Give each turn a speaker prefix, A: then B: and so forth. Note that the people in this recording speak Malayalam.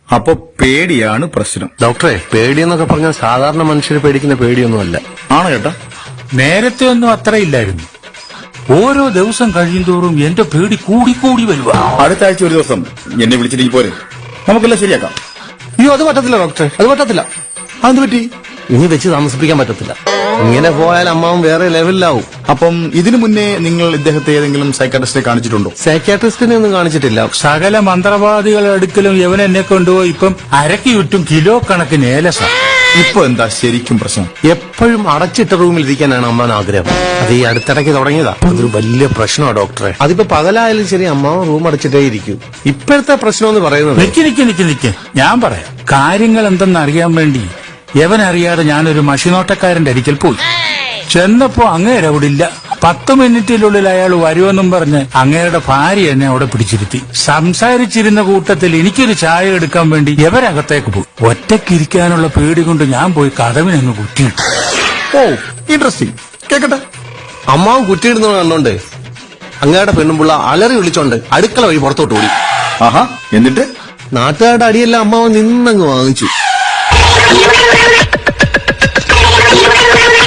A: അപ്പൊ പേടിയാണ് പ്രശ്നം.
B: ഡോക്ടറെ, പേടിയെന്നൊക്കെ പറഞ്ഞാൽ സാധാരണ മനുഷ്യർ പേടിക്കുന്ന പേടിയൊന്നുമല്ല.
A: ആണ് കേട്ടാ.
C: നേരത്തെ ഒന്നും അത്ര ഇല്ലായിരുന്നു. ഓരോ ദിവസം കഴിയുന്തോറും എന്റെ പേടി കൂടി വരുക.
A: അടുത്ത ആഴ്ച ഒരു ദിവസം എന്നെ വിളിച്ചിട്ട് പോരെ, നമുക്കെല്ലാം ശരിയാക്കാം.
B: അയ്യോ, അത് പറ്റത്തില്ല ഡോക്ടറെ, അത് പറ്റത്തില്ല.
A: അതെന്ത് പറ്റി?
B: ഇനി വെച്ച് താമസിപ്പിക്കാൻ പറ്റത്തില്ല. ഇങ്ങനെ പോയാൽ അമ്മാവും വേറെ ലെവലിലാവും.
A: അപ്പം ഇതിനു മുന്നേ നിങ്ങൾ ഇദ്ദേഹത്തെ ഏതെങ്കിലും സൈക്കാട്രിസ്റ്റിനെ കാണിച്ചിട്ടുണ്ടോ?
B: സൈക്യാട്രിസ്റ്റിനെ ഒന്നും കാണിച്ചിട്ടില്ല.
C: സകല മന്ത്രവാദികളുടെ അടുക്കലും യവനെന്നെ കൊണ്ടുപോയി ഇപ്പം അരക്ക് ചുറ്റും കിലോ കണക്കിന് ഏലസ.
A: ഇപ്പൊ എന്താ ശരിക്കും പ്രശ്നം?
B: എപ്പോഴും അടച്ചിട്ട റൂമിൽ ഇരിക്കാനാണ് അമ്മാൻ ആഗ്രഹം. അത് ഈ അടുത്തിടയ്ക്ക് തുടങ്ങിയതാ. അതൊരു വലിയ പ്രശ്നമാണ് ഡോക്ടറെ. അതിപ്പോ പകലായാലും ശരി, അമ്മാവൻ റൂം അടച്ചിട്ടേ ഇരിക്കൂ. ഇപ്പോഴത്തെ പ്രശ്നം എന്ന് പറയുന്നത്,
C: നിക്ക് ഞാൻ പറയാം. കാര്യങ്ങൾ എന്തെന്ന് അറിയാൻ വേണ്ടി യവനറിയാതെ ഞാനൊരു മഷിനോട്ടക്കാരന്റെ അരിക്കൽ പോയി. ചെന്നപ്പോ അങ്ങേരെ അവിടെ ഇല്ല. 10 മിനിറ്റിനുള്ളിൽ അയാൾ വരുമെന്നും പറഞ്ഞ് അങ്ങേരുടെ ഭാര്യ എന്നെ അവിടെ പിടിച്ചിരുത്തി. സംസാരിച്ചിരുന്ന കൂട്ടത്തിൽ എനിക്കൊരു ചായ എടുക്കാൻ വേണ്ടി യവരകത്തേക്ക് പോയി. ഒറ്റയ്ക്കിരിക്കാനുള്ള പേടി കൊണ്ട് ഞാൻ പോയി കതവിനങ്ങ് കുറ്റിയിട്ടു.
A: ഓ, ഇൻട്രസ്റ്റിംഗ്. കേക്കട്ടെ.
B: അമ്മാവൻ കുറ്റിയിടുന്നത് കണ്ടോണ്ട് അങ്ങയുടെ പെണ്ണുമ്പുള്ള അലറി വിളിച്ചോണ്ട് അടുക്കള വഴി പുറത്തോട്ട് ഓടി.
A: ആഹാ, എന്നിട്ട്
B: നാട്ടുകാരുടെ അടിയെല്ലാം അമ്മാവൻ നിന്നങ്ങ് വാങ്ങിച്ചു.